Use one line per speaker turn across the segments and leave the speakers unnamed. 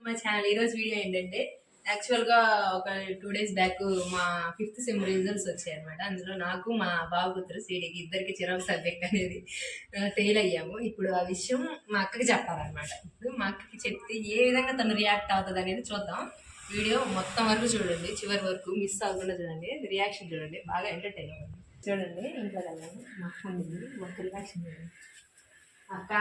మా ఛానల్. ఈరోజు వీడియో ఏంటంటే యాక్చువల్గా ఒక 2 days బ్యాక్ మా 5th సెమ్ రిజల్ట్స్ వచ్చాయి అనమాట. అందులో నాకు మా బాబు కూతురు సీడీకి ఇద్దరికి చిరాకు సబ్జెక్ట్ అనేది ఫెయిల్ అయ్యాము. ఇప్పుడు ఆ విషయం మా అక్కకి చెప్పాలన్నమాట. ఇప్పుడు మా అక్కకి చెప్తే ఏ విధంగా తను రియాక్ట్ అవుతుంది అనేది చూద్దాం. వీడియో మొత్తం వరకు చూడండి, చివరి వరకు మిస్ అవ్వకుండా చూడండి. రియాక్షన్ చూడండి, బాగా ఎంటర్టైన్ అవ్వండి. చూడండి, ఇంట్లో వెళ్ళండి, మా అక్క ఉంది, మొత్తం రియాక్షన్ చూడండి. అక్క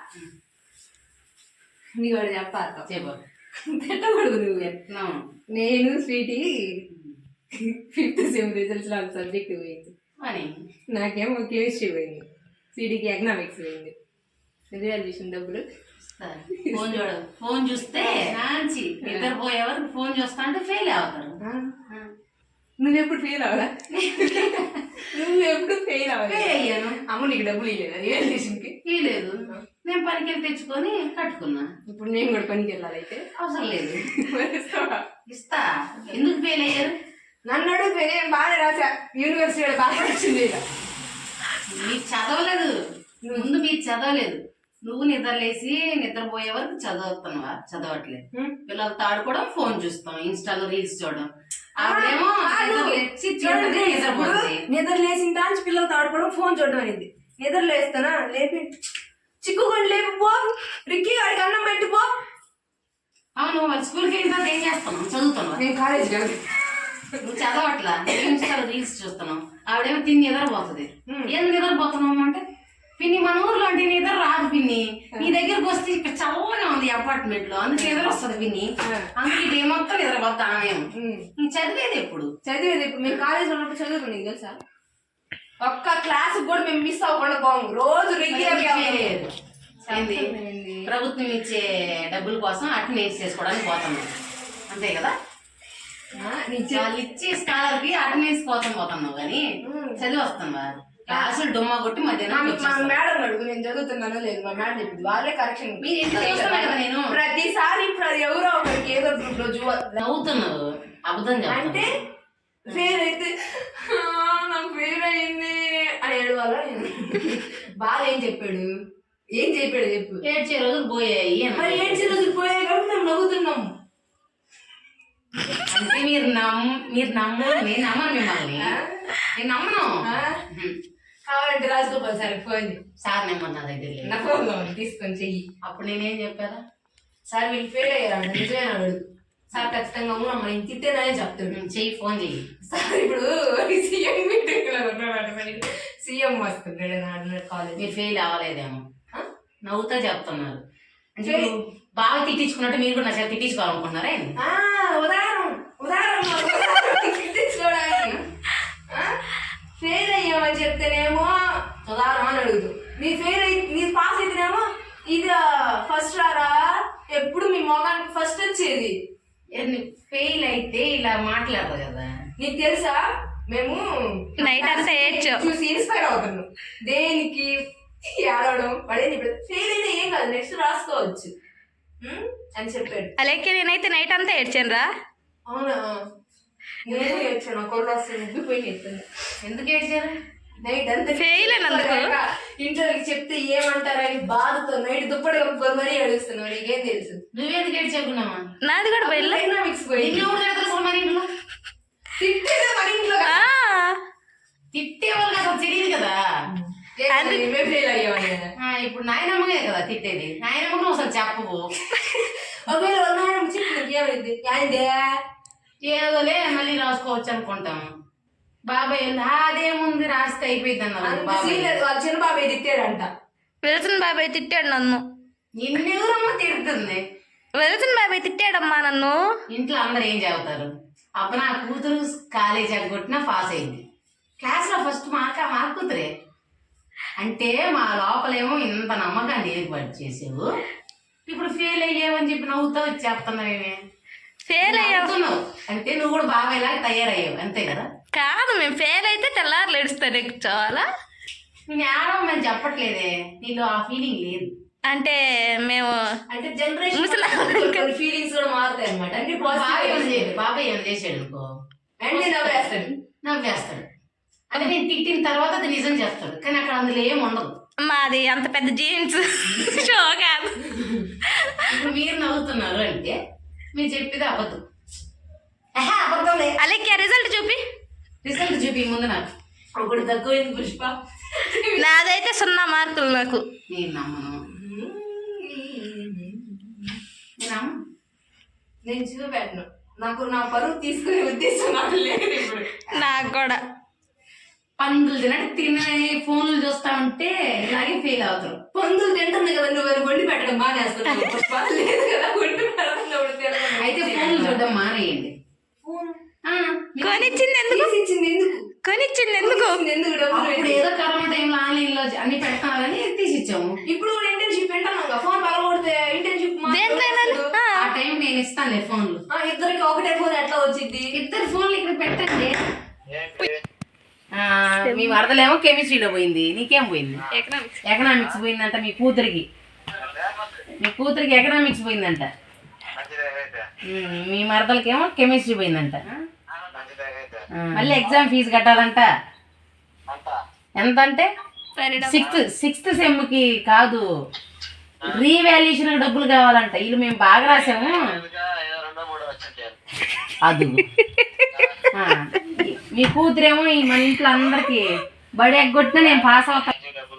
నీ వాడు చెప్పాలి, పెట్టకూడదు నువ్వు. నేను స్వీటీ 5th సెమ్ రిజల్ట్స్ లో సబ్జెక్ట్ పోయింది అని, నాకేమో కెమిస్ట్రీ పోయింది, స్వీటీకి ఎకనామిక్స్ పోయింది. రిజల్యూషన్ డబ్బులు
ఫోన్ చూడదు, ఫోన్ చూస్తే మంచి నిద్రపోయేవారు ఫోన్ చూస్తా అంటే ఫెయిల్ అవుతారు.
నువ్వెప్పుడు ఫెయిల్ అవ్వదా? నువ్వెప్పుడు ఫెయిల్ అవ్వాలి?
అయ్యాను.
అమ్మ నీకు డబ్బులు ఇవ్వలేదా రిజల్యూషన్కి?
ఇవ్వలేదు. నేను పనికి వెళ్ళి తెచ్చుకొని కట్టుకున్నా.
ఇప్పుడు నేను కూడా పనికి వెళ్ళాలి, అయితే
అవసరం లేదు. ఇస్తా. ఎందుకు ఫెయిల్ అయ్యారు?
నన్ను అడుగు, నేను బాగా రాసా, యూనివర్సిటీ బాగా వచ్చింది.
మీరు చదవలేదు, ముందు మీరు చదవలేదు. నువ్వు నిద్రలేసి నిద్రపోయే వరకు చదువుతున్నావా? చదవట్లేదు. పిల్లలతో ఆడుకోవడం, ఫోన్ చూస్తాం, ఇన్స్టాలో రీల్స్ చూడడం. అదేమో
నిద్ర లేచిన దాని పిల్లలతో ఆడుకోవడం, ఫోన్ చూడడం అనేది. నిద్ర లేస్తానా, లేపి చిక్కుకొని లేపి పో, రిక్కి వాడికి అన్నం పెట్టి పో.
అవును, వాళ్ళు స్కూల్కి వెళ్ళిన తర్వాత ఏం చేస్తున్నావు? చదువుతున్నావు.
నేను కాలేజ్ కాదు,
నువ్వు చదవట్లా, ఇన్స్టాలో రీల్స్ చూస్తున్నావు. ఆవిడేమో తిని నిద్రపోతుంది. ఎందుకు నిద్రపోతున్నావు అంటే, పిన్ని మన ఊర్లో అంటే నిద్ర రాదు పిన్ని, నీ దగ్గరకు వస్తే ఇక్కడ చల్లగా ఉంది అపార్ట్మెంట్ లో, అందుకే నిద్ర వస్తుంది పిన్ని, అందుకే డే మొత్తం నిద్రపోతా. ఆమె చదివేది ఎప్పుడు?
మేము కాలేజ్ ఉన్నప్పుడు చదువుకుని నీకు తెలుసా, ఒక్క క్లాస్ కూడా మేము మిస్ అవ్వకుండా పోము. రోజు రెగ్యులర్.
ప్రభుత్వం ఇచ్చే డబ్బుల కోసం అటెండెన్స్ చేసుకోవడానికి పోతున్నాం, అంతే కదా? వాళ్ళు ఇచ్చే స్కాలర్ కి అటెండెన్స్ కోసం పోతున్నావు కానీ చదివి వస్తున్నావా? క్లాసులు డుమ్మా కొట్టి మధ్యాహ్నం
మేడం అడుగు, నేను చదువుతున్నానో లేదు. మా మేడం చెప్పింది, వాళ్ళే కరెక్షన్.
నేను
ప్రతిసారి ఎవరో ఒకరికి ఏదో గ్రూప్ లో
నవ్వుతున్నావు, అబద్ధం
అంటే ఫెయిల్ అయితే నాకు ఫెయిల్ అయింది అని ఏడవాలా? బాగా ఏం చెప్పాడు చెప్పు.
ఏడ్చే రోజులు పోయాయి.
మరి ఏడ్చే రోజులు పోయాయి కాబట్టి మేము నవ్వుతున్నాం.
అంటే మీరు నమ్మను, నేను నమ్మను మిమ్మల్ని, నేను నమ్మను.
కావాలంటే Rajagopal sir phone
sir number నా దగ్గర
నా ఫోన్ తీసుకొని చెయ్యి.
అప్పుడు నేనేం చెప్పారా?
సార్ వీళ్ళు ఫెయిల్ అయ్యారు, నిజమేనా అడుగు. సార్ ఖచ్చితంగా అవునమ్మా నేను తిట్టేననే చెప్తాడు.
చెయ్యి, ఫోన్ చెయ్యి.
సార్ ఇప్పుడు సీఎం మీటింగ్ లో ఉన్నాడు, సీఎం వస్తున్నాడు కాలేజ్.
మీరు ఫెయిల్ అవ్వలేదేమో, నవ్వుతా చెప్తున్నారు. అంటే బాగా తిట్టించుకున్నట్టు మీరు కూడా నా చేత తిట్టించుకోవాలనుకుంటున్నారా?
ఉదాహరణ తిట్టించుకోవడానికి. ఫెయిల్ అయ్యామని చెప్తేనేమో ఉదాహరణ అని అడుగుతూ, నీ పాస్ అయితేనేమో ఇది ఫస్ట్ రారా, ఎప్పుడు మీ మొగానికి ఫస్ట్ వచ్చేది.
ఫెయిల్ అయితే ఇలా మాట్లాడదు కదా.
నీకు తెలుసా, మేము
నైట్ అంతా
చూసి ఇన్స్పైర్ అవుతున్నాం. దేనికి ఏడవడం పడేది, ఇప్పుడు ఫెయిల్ అయితే ఏం కాదు, నెక్స్ట్ రాసుకోవచ్చు అని చెప్పాడు.
అలాగే నేనైతే నైట్ అంతా ఏడ్చాను రా.
అవునా? నేను ఏడ్చాను, కొడు వస్తుంది, ముగ్గిపోయి ఏడ్చాను.
ఎందుకు ఏడ్చారు?
నైట్ అంతా
ఫెయిల్ అయినందుకు.
ఇంటర్కి చెప్తే ఏమంటారని బాధతో నైట్ దుప్పటి కప్పుకొని మరీ ఏడుస్తున్నావు. నీకేం తెలుసు?
నువ్వేందుకు ఏడ్చాకున్నావా?
నాది కూడా పోయి
ఎకనామిక్స్ పోయి
మన ఇంట్లో
తిట్టేదే, మన ఇంట్లో
తిట్టేవాళ్ళు అసలు తెలియదు కదా.
ఫెయిల్ అయ్యామని.
ఇప్పుడు నాయనమ్మగే కదా తిట్టేది, నాయనమ్మకు అసలు చెప్పవు.
ఒకవేళ నాయనమ్మ చెప్పినట్టు ఏమైంది?
ఏదోలే మళ్ళీ రాసుకోవచ్చు అనుకుంటాం. బాబాయ్ అదేముంది రాస్తే అయిపోయింది అన్నారు.
వాళ్ళ చిన్న బాబాయ్ తిట్టాడంట.
విల్సన్ బాబాయ్ తిట్టాడు నన్ను.
నిన్నెవరమ్మా తిడుతుంది?
విల్సన్ బాబాయ్ తిట్టాడమ్మా నన్ను.
ఇంట్లో అందరు ఏం చదువుతారు? అప్పుడు నా కూతురు కాలేజ్ కొట్టినా పాస్ అయింది, క్లాస్ లో ఫస్ట్ మా కూతురే. అంటే మా లోపలేమో ఇంత నమ్మకాన్ని ఏర్పాటు చేసావు, ఇప్పుడు ఫెయిల్ అయ్యావని చెప్పి నవ్వుతావు చెప్తున్నావేమే.
ఫెయిల్ అయ్యావు
అంటే నువ్వు కూడా బాగా ఇలాగ తయారయ్యావు, అంతే కదా?
కాదు, మేము ఫెయిల్ అయితే తెల్లారులు ఏడుస్తాను చాలా.
నేను ఏడవమని చెప్పట్లేదే, నీలో ఆ ఫీలింగ్ లేదు.
అంటే మేము
అంటే జనరేషన్ ఫీలింగ్స్ కూడా మారుతాయి అనమాట. అంటే
బాబాయ్ ఏమైనా చేసాడు అనుకో, నవ్వేస్తాడు. అంటే నేను తిట్టిన తర్వాత అది నిజం చేస్తాడు, కానీ అక్కడ అందులో ఏం ఉండదు.
మాది అంత పెద్ద జీన్స్ షో కాదు.
ఇప్పుడు మీరు నవ్వుతున్నారు అంటే మీరు చెప్పేది అబద్ధం. అబద్ధం లేదు.
అలెక్కి రిజల్ట్ చూపి.
రిజల్ట్ చూపి ముందు నాకు.
ఒకటి తక్కువైంది పుష్ప.
నాదైతే 0 మార్కులు నాకు.
నేను నమ్మను.
నేను చూపెట్టను. నాకు నా పరువు తీసుకునే ఉద్దేశం నాకు లేదు ఇప్పుడు.
నాకు కూడా.
పందులు తినే ఫోన్లు చూస్తా ఉంటే ఇలాగే ఫెయిల్ అవుతారు.
పందులు తింటుంది కదా, నువ్వు వండి పెట్టడం మానేస్తున్నావు పుష్ప. లేదు కదా వండి పెడతాను.
అయితే ఫోన్లు చూడడం మానేయండి.
కొనిచ్చింది ఎందుకు?
ఇచ్చింది ఎందుకు?
కొనిచ్చింది ఎందుకు?
ఎందుకు డబ్బులు
ఇప్పుడు ఏదో కరోనా టైంలో ఆన్లైన్ లో అన్ని పెడతానని తీసిచ్చాము.
ఇప్పుడు ఇంటర్న్షిప్ వింటాను. ఫోన్ పగలగొడితే ఇంటర్న్షిప్
ఆ టైం నేను ఇస్తానులే ఫోన్లు.
ఇద్దరికి ఒకటే ఫోన్ ఎట్లా వచ్చింది?
ఇద్దరు ఫోన్లు ఇక్కడ పెట్టండి. మీ వరదలేమో కెమిస్ట్రీలో పోయింది, నీకేం పోయింది? ఎకనామిక్స్ పోయిందంట. మీ కూతురికి ఎకనామిక్స్ పోయిందంట. మీ మరదలకేమో కెమిస్ట్రీ పోయిందంట. మళ్ళీ ఎగ్జామ్ ఫీజు కట్టాలంట. ఎంత అంటే సిక్స్త్ సెమ్కి కాదు, రీవాల్యుయేషన్ డబ్బులు కావాలంట. వీళ్ళు మేము బాగా రాసాము అది. మీ కూతురేమో మన ఇంట్లో అందరికి బడి ఎగ్గొట్టినా నేను పాస్ అవుతా.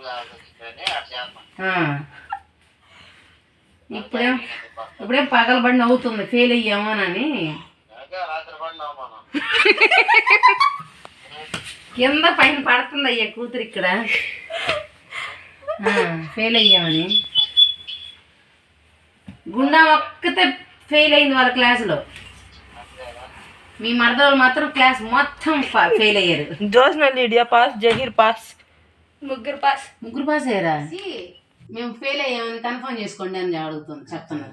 ఇప్పుడేం పగలబడి నవ్వుతుంది ఫెయిల్ అయ్యామోనని. కింద పైన పడుతుంది అయ్యా కూతురు ఇక్కడ ఫెయిల్ అయ్యామని. గుండా ఒక్కతే ఫెయిల్ అయింది వాళ్ళ క్లాసులో. మీ మరదలు మాత్రం క్లాస్ మొత్తం ఫెయిల్ అయ్యారు.
Josna Lydia pass, Zaheer pass, ముగ్గురు పాస్
అయ్యారా? మేము ఫెయిల్ అయ్యామని కన్ఫర్మ్ చేసుకోండి అని అడుగుతుంది. చెప్తున్నారు.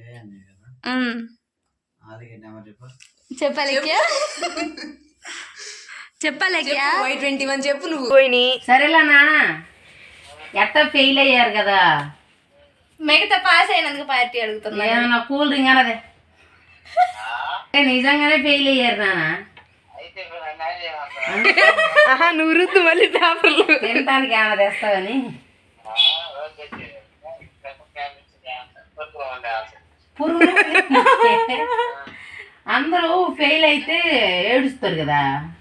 చెప్పాలెక్యా
Y21 చెప్పు నువ్వు.
సరేలా నాన్న, ఎట్ట ఫెయిల్ అయ్యారు కదా,
మిగతా పాస్ అయినందుకు పార్టీ అడుగుతున్నా.
ఏమన్నా కూల్ డ్రింక్ అన్నదే? నిజంగానే ఫెయిల్ అయ్యారు నాన్న.
నువ్వు రుద్దు మళ్ళీ పేపర్లు
తినటానికి ఏమైనా తెస్తావని. అందరూ ఫెయిల్ అయితే ఏడుస్తారు కదా,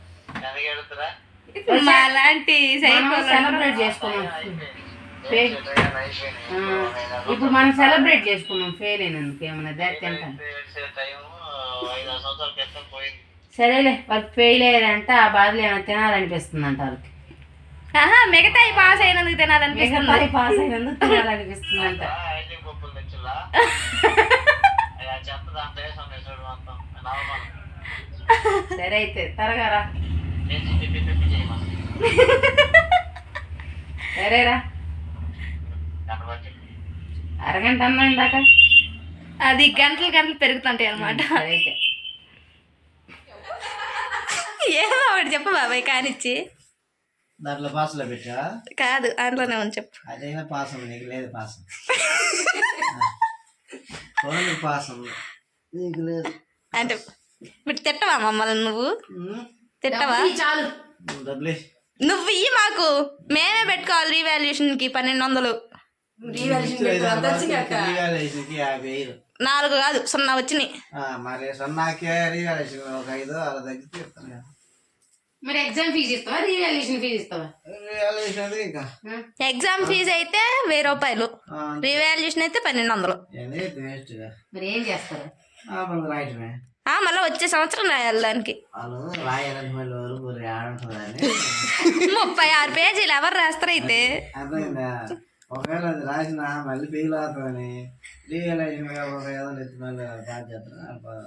అలాంటి
సెలబ్రేట్ చేసుకున్నాం. ఇప్పుడు మనం సెలబ్రేట్ చేసుకున్నాం ఫెయిల్ అయినందుకు. ఏమన్నా తింటాను. సరేలే, వాళ్ళకి ఫెయిల్ అయ్యారంట. ఆ బాధలు ఏమైనా తినాలనిపిస్తుంది అంట వాళ్ళకి.
మిగతా పాస్ అయినందుకు తినాలనిపిస్తుంది.
పాస్ అయినందుకు తినాలనిపిస్తుంది అంట. సరే అయితే త్వరగా రా. సరేరా, అరగంట అన్నా ఇందాక.
అది గంటలు పెరుగుతుంటాయి అన్నమాట.
అయితే
ఏమో ఒకటి చెప్పు బాబాయ్ కానిచ్చి.
దాంట్లో పాసులో పెట్టా
కాదు, అందులోనే ఉంది చెప్పు.
అదైనా పాసం నీకు లేదు. పాసం పాసం నీకు లేదు
అంటే ఇప్పుడు తిట్టవా మమ్మల్ని? నువ్వు తిట్టవా?
చాలు,
డబ్బులే.
నువ్వు ఇయ్యి మాకు, మేమే పెట్టుకోవాలి రీవాల్యుయేషన్ కి 1200. 4 కాదు 0 వచ్చినాయి.
మరి సన్నాకే రివాల్యూషన్ ఒక 5 అలా తగ్గితే చెప్తాను కదా.
మరి ఎగ్జామ్ ఫీజు ఇస్తావా, రీవాల్యుయేషన్ ఫీజు ఇస్తావా?
రివాల్యూషన్ ఇంకా
ఎగ్జామ్ ఫీజు అయితే 1000 రూపాయలు, రీవాల్యుయేషన్ అయితే 1200.
వేస్ట్గా.
మరి ఏం చేస్తారు?
రాయటమే.
మళ్ళీ వచ్చే సంవత్సరం రాయాలి దానికి.
వాళ్ళు రాయాలని మళ్ళీ ఊరు ఆడుంటుందని
36 పేజీలు ఎవరు రాస్తారు అయితే?
అర్థమైందా? ఒకవేళ అది రాసిన మళ్ళీ ఫెయిల్ అవుతుందని రియలైజింగ్ ఏదో ఎత్తి మళ్ళీ బాగా చేస్తాను.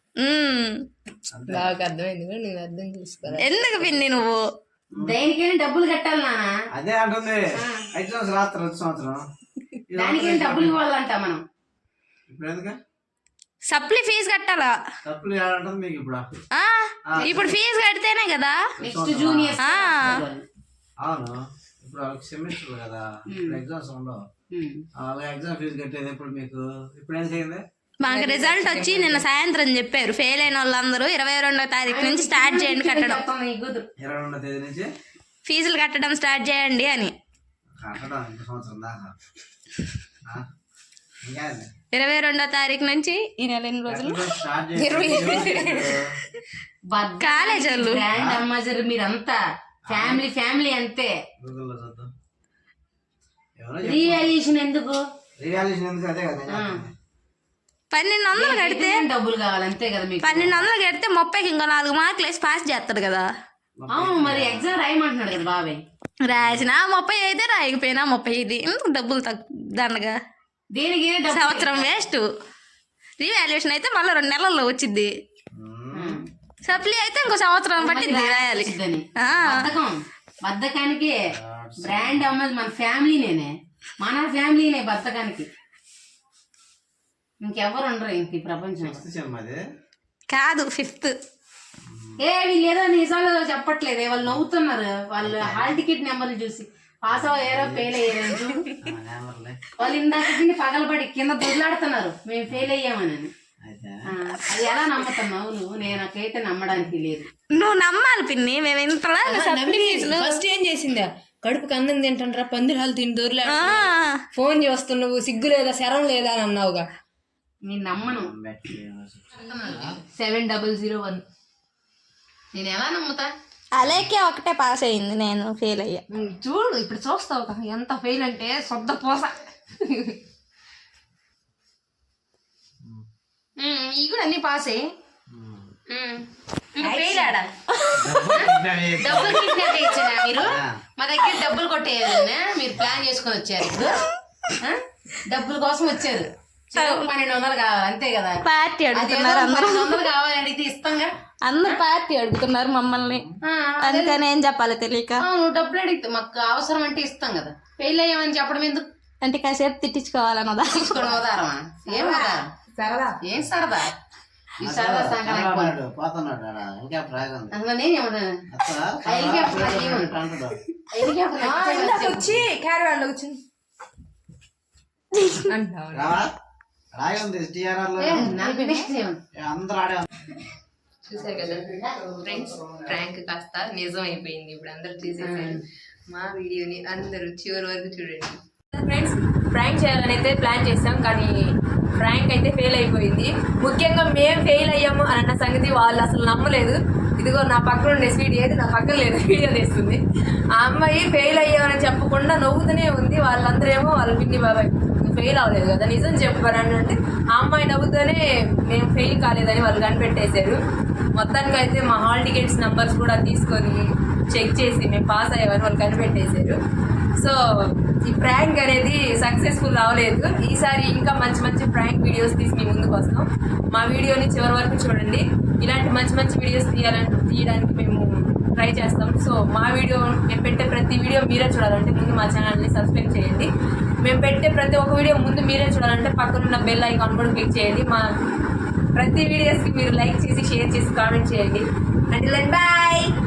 నాకు అర్థమైంది కూడా నేను అర్థం చేసుకోవాలి.
ఎందుకు పిన్ని నువ్వు
దేనికైనా డబ్బులు కట్టాలి నాన్న.
అదే అంటుంది. ఎగ్జామ్స్ రాత్రి వచ్చే సంవత్సరం
దానికైనా డబ్బులు ఇవ్వాలంట మనం.
ఇప్పుడు ఎందుకు
సప్లీ ఫీజు కట్టాలా?
డబ్బులు ఏడంటుంది మీకు ఇప్పుడు?
ఇప్పుడు ఫీజు కడితేనే కదా
నెక్స్ట్ జూనియర్.
అవును, ఇప్పుడు వాళ్ళకి సెమిస్టర్ కదా, ఇప్పుడు ఎగ్జామ్స్ ఉండవు. అలాగే ఎగ్జామ్ ఫీజు కట్టేది ఎప్పుడు మీకు? ఇప్పుడు ఏం చేయండి?
మాకు రిజల్ట్ వచ్చి నిన్న సాయంత్రం చెప్పారు, ఫెయిల్ అయిన వాళ్ళందరూ 22వ తారీఖు నుంచి స్టార్ట్ చేయండి కట్టడం.
22వ తేదీ నుంచి
ఫీజులు కట్టడం స్టార్ట్ చేయండి అని.
కట్టడం ఇంకో సంవత్సరం దాకా ఇంకా
22వ తారీఖు నుంచి ఈ నెల ఎన్ని రోజులు
స్టార్ట్ చేసి
కాలేజ్ వాళ్ళు.
గ్రాండ్ అంబాసిడర్ మీరంతా ఫ్యామిలీ అంతే.
గూగుల్లో చూద్దాం. ఎవరో
రియాలియేషన్ ఎందుకు?
రియాలిటీ ఎందుకు అదే కదా నేను చెప్తుంది.
1200 కడితే
డబ్బులు కావాలి అంతే కదా మీకు.
1200 కడితే 30కి ఇంకో 4 మార్కులు వేసి పాస్ చేస్తాడు కదా.
అవును మరి ఎగ్జామ్ రాయమంటున్నాడు కదా బాబాయ్.
రాసిన 30 అయితే రాయకపోయినా 35 ఎందుకు డబ్బులు దండగా
దేనికి డబ్బు?
సంవత్సరం వేస్ట్. రీవాల్యుయేషన్ అయితే మళ్ళీ 2 నెలల్లో వచ్చింది. సప్లీ అయితే ఇంకో సంవత్సరం పట్టింది రాయాలి.
వచ్చిద్దని.
ఆ.
బద్ధకానికి బ్రాండ్ అమ్మది మన ఫ్యామిలీనే, మన ఫ్యామిలీనే బద్ధకానికి. ఇంకెవరు ఉండరు ఇంక ఈ ప్రపంచంలో.
Sixth sem అది.
కాదు 5th.
వీళ్ళు ఏదో నిజాలు చెప్పట్లేదే, వాళ్ళు నవ్వుతున్నారు. వాళ్ళు హాల్ టికెట్ నెంబర్లు చూసి పాస్ అయ్యారో ఫెయిల్ అయ్యారని చూడు.
నెంబర్లే.
వాళ్ళు ఇందాక దీన్ని పగలబడి కింద దొడ్లాడుతున్నారు మేము ఫెయిల్ అయ్యామని.
అయితే
అది ఎలా నమ్ముతున్నావు నువ్వు? నాకైతే నమ్మడానికి లేదు.
నువ్వు నమ్మాలి పిన్ని. మేము ఇంతలా
ఫస్ట్ ఏం చేసిందా, కడుపుకి అన్నం తింటాండ్రా పందిరి హాలు తిని దొరలే ఫోన్ చేస్తున్నావు, సిగ్గు లేదా శరం లేదా అని అన్నావుగా.
నేను నమ్మను.
Metro university.
7001.
నేను ఎలా నమ్ముతా?
అలాగే ఒకటే పాస్ అయింది, నేను ఫెయిల్ అయ్యా.
చూడు ఇప్పుడు చూస్తావు కదా ఎంత ఫెయిల్ అంటే సొద్ద పోస.
ఈ కూడా అన్ని పాస్ అయ్యి ఫెయిల్ ఆడా. డబ్బులు కిడ్నాప్ చేయించారా మీరు? మా దగ్గర డబ్బులు కొట్టేయాలన్నా మీరు ప్లాన్ చేసుకొని వచ్చారు. ఇప్పుడు డబ్బుల కోసం వచ్చారు. 1200 కావాలి అంతే కదా.
పార్టీ అడుగుతున్నారు అందరూ.
1200 కావాలని ఇది ఇస్తాంగా.
అందరు పార్టీ అడుగుతున్నారు మమ్మల్ని. అందుకని ఏం చెప్పాలి తెలియక.
నువ్వు డబ్బులు అడిగితే మాకు అవసరం అంటే ఇస్తాం కదా. ఫెయిల్ అయ్యామని చెప్పడం ఎందుకు?
అంటే కాసేపు తిట్టించుకోవాలన్నదా.
తీసుకోవడం ఉదారమా? ఏం ఉదారం?
సరదా.
ఏం సరదా? ఈ సరదా సంగతి
పోతున్నాడు ఆడ. హెలికాప్టర్ ఆగింది.
అసలు నేనేమన్నాను?
అత్తరా?
హెలికాప్టర్
అంటాడు.
వచ్చి క్యారవాన్ లో వచ్చింది అంటావు.
రావా? రాగింది టీఆర్ఆర్ లో. అందరూ ఆడే
చూసారు కదా ఫ్రెండ్స్, ప్రాంక్ కాస్త నిజం అయిపోయింది. ఇప్పుడు అందరు చూసేసారు మా వీడియోని. అందరూ చివరి వరకు చూడండి ఫ్రెండ్స్. ప్రాంక్ చేయాలని అయితే ప్లాన్ చేసాం, కానీ ప్రాంక్ అయితే ఫెయిల్ అయిపోయింది. ముఖ్యంగా మేము ఫెయిల్ అయ్యాము అన్న సంగతి వాళ్ళు అసలు నమ్మలేదు. ఇదిగో నా పక్కన ఉండే స్వీట్ ఏది నా పక్కన లేదు, వీడియో తీస్తుంది. ఆ అమ్మాయి ఫెయిల్ అయ్యామని చెప్పకుండా నవ్వుతూనే ఉంది. వాళ్ళందరూ ఏమో వాళ్ళ పిన్ని బాబాయ్ ఫెయిల్ అవ్వలేదు కదా నిజం చెప్పారని అంటే ఆ అమ్మాయి నవ్వుతూనే మేము ఫెయిల్ కాలేదని వాళ్ళు కనిపెట్టేశారు. మొత్తానికి అయితే మా హాల్ టికెట్స్ నెంబర్స్ కూడా తీసుకొని చెక్ చేసి మేము పాస్ అయ్యామని వాళ్ళు కనిపెట్టేశారు. సో ఈ ప్రాంక్ అనేది సక్సెస్ఫుల్ అవ్వలేదు. ఈసారి ఇంకా మంచి మంచి ప్రాంక్ వీడియోస్ తీసి మీ ముందుకు వస్తాం. మా వీడియోని చివరి వరకు చూడండి. ఇలాంటి మంచి మంచి వీడియోస్ తీయడానికి మేము ట్రై చేస్తాం. సో మా వీడియో మేము పెట్టే ప్రతి వీడియో మీరే చూడాలంటే ముందు మా ఛానల్ని సబ్స్క్రైబ్ చేయండి. మేము పెట్టే ప్రతి ఒక్క వీడియో ముందు మీరే చూడాలంటే పక్కనున్న బెల్ ఐకాన్ కూడా క్లిక్ చేయండి. మా ప్రతి వీడియోస్కి మీరు లైక్ చేసి షేర్ చేసి కామెంట్ చేయండి. Until then by.